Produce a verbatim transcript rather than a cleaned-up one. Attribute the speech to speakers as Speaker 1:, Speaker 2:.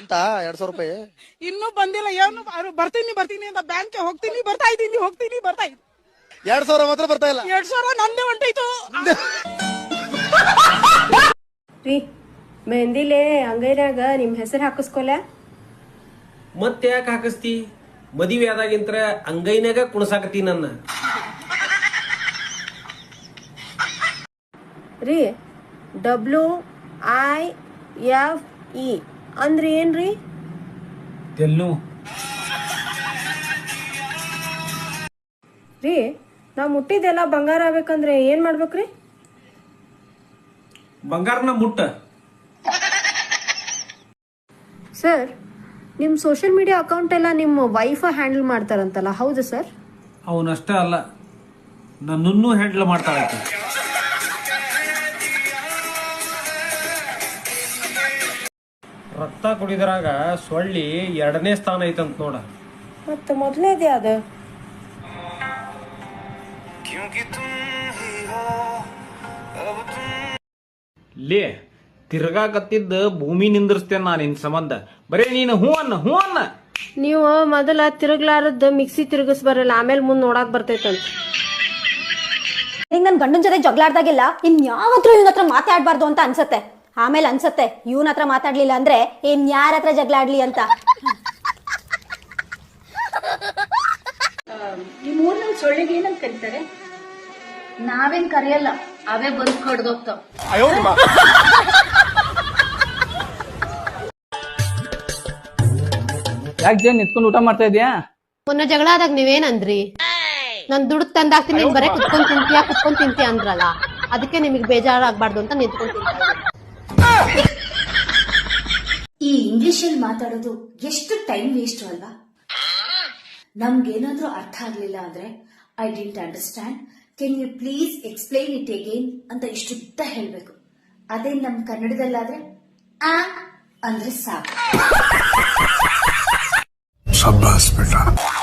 Speaker 1: ಅಂತ ಎರಡ್ ಸಾವಿರ ರೂಪಾಯಿ
Speaker 2: ಇನ್ನೂ ಬಂದಿಲ್ಲ. ಏನು ಅವ್ರು ಬರ್ತೀನಿ ಬರ್ತೀನಿ ಅಂತ ಬ್ಯಾಂಕ್ ಹೋಗ್ತೀನಿ ಬರ್ತಾ ಇದ್ದೀನಿ ಹೋಗ್ತೀನಿ ಬರ್ತಾ ಇದ್ದೀನಿ.
Speaker 1: ಎರಡ್ ಸಾವಿರ ಮಾತ್ರ ಬರ್ತಾ ಇಲ್ಲ.
Speaker 2: ಎರಡ್ ಸಾವಿರ ನಂದೇ ಹೊಂಟೈತು.
Speaker 3: ರೀ ಮೆಹಂದಿಲೆ ಅಂಗೈನಾಗ ನಿಮ್ ಹೆಸರು ಹಾಕಿಸ್ಕೊಲ್ಲ.
Speaker 4: ಮತ್ತೆ ಯಾಕೆ ಹಾಕಿಸ್ತಿ? ಮದುವೆ ಆದಾಗಿಂತ್ರ ಅಂಗೈನಾಗ ಕುಣಸಾಕತಿ ನನ್ನ.
Speaker 3: ರೀ ಡಬ್ಲ್ಯೂ ಐ ಎಫ್ ಇ ಅಂದ್ರೆ ಏನ್ರಿ?
Speaker 4: ತೆಲ್ಲು
Speaker 3: ರೀ ನಾವ್ ಮುಟ್ಟಿದೆಲ್ಲ ಬಂಗಾರ ಆಗ್ಬೇಕಂದ್ರೆ ಏನ್ ಮಾಡ್ಬೇಕ್ರಿ?
Speaker 4: ಬಂಗಾರನ ಮುಟ್ಟ.
Speaker 3: ಸರ್ ನಿಮ್ ಸೋಷಿಯಲ್ ಮೀಡಿಯಾ ಅಕೌಂಟ್ ಎಲ್ಲ ನಿಮ್ಮ ವೈಫ್ ಹ್ಯಾಂಡಲ್ ಮಾಡ್ತಾರಂತಲ್ಲ, ಹೌದು ಸರ್?
Speaker 4: ಅವನಷ್ಟ ಅಲ್ಲ, ನನ್ನನ್ನು ಹ್ಯಾಂಡಲ್ ಮಾಡ್ತಾಳೆ. ರಕ್ತ ಕುಡಿದ್ರಾಗ ಸೊಳ್ಳಿ ಎರಡನೇ ಸ್ಥಾನ ಐತಂತ ನೋಡ.
Speaker 3: ಮತ್ತ ಮೊದಲನೇದೇ ಅದ.
Speaker 4: ಲೇ ತಿರ್ಗಾಕತ್ತಿದ್ದ ಭೂಮಿ ನಿಂದ್ರಿಸ್ತೇನೆ ನಾನು ನಿನ್ ಸಂಬಂಧ. ಬರೇ ನೀನು ಹೂ ಅನ್ನ ಹೂ ಅನ್ನ.
Speaker 3: ನೀವು ಮೊದಲ ತಿರುಗ್ಲಾರದ್ ಮಿಕ್ಸಿ ತಿರುಗಿಸ್ ಬರಲ್ಲ, ಆಮೇಲೆ ಮುಂದ್ ನೋಡಾಕ್ ಬರ್ತೈತಂತ.
Speaker 5: ಹಿಂಗ್ ನನ್ ಗಂಡನ್ ಜೊತೆ ಜಗಳಾಡ್ದಾಗೆಲ್ಲ ಇನ್ ಯಾವತ್ತೂ ಇವನ್ ಹತ್ರ ಮಾತಾಡ್ಬಾರ್ದು ಅಂತ ಅನ್ಸತ್ತೆ. ಆಮೇಲೆ ಅನ್ಸತ್ತೆ ಇವನ್ ಹತ್ರ ಮಾತಾಡ್ಲಿಲ್ಲ ಅಂದ್ರೆ ಇನ್ ಯಾರ ಹತ್ರ ಜಗಳಾಡ್ಲಿ ಅಂತ.
Speaker 6: ನಿಮ್ ಊರ್ನಲ್ಲಿ ಸೊಳ್ಳೆಗೆ ಏನಂತ ಕರೀತಾರೆ? ನಾವೇನ್ ಕರೆಯಲ್ಲ, ಅವೇ ಬಂದು ಕಡ್ದೋಗ್ತಾವ.
Speaker 7: ಯಾಕೆ ಜೇನ್ ನಿಂತ್ಕೊಂಡು ಊಟ ಮಾಡ್ತಾ ಇದೀಯಾ?
Speaker 3: ಮೊನ್ನೆ ಜಗಳ ಆದಾಗ ನೀವೇನಂದ್ರಿ? ನಾನ್ ದುಡ್ಡು ತಂದಾಕ್ತೀನಿ, ನೀನ್ ಬರೇ ಕುತ್ಕೊಂಡ್ ತಿಂತೀಯಾ ಕುತ್ಕೊಂಡ್ ತಿಂತೀಯ ಅಂದ್ರಲ್ಲ, ಅದಕ್ಕೆ ನಿಮಗ್ ಬೇಜಾರಾಗ್ಬಾರ್ದು ಅಂತ ನಿಂತ್ಕೊಂಡ್ ತಿಂತ.
Speaker 6: ಈ ಇಂಗ್ಲಿಷ್ ಅಲ್ಲಿ ಮಾತಾಡೋದು ಎಷ್ಟು ಟೈಮ್ ವೇಸ್ಟ್ ಅಲ್ವಾ? ನಮ್ಗೇನಾದ್ರೂ ಅರ್ಥ ಆಗ್ಲಿಲ್ಲ ಅಂದ್ರೆ I didn't understand, can you please explain it again ಅಂತ ಇಷ್ಟುದ್ದ ಹೇಳ್ಬೇಕು. ಅದೇ ನಮ್ ಕನ್ನಡದಲ್ಲಾದ್ರೆ ಆ ಅಂದ್ರೆ ಸಾಕು.
Speaker 8: शाबाश बेटा।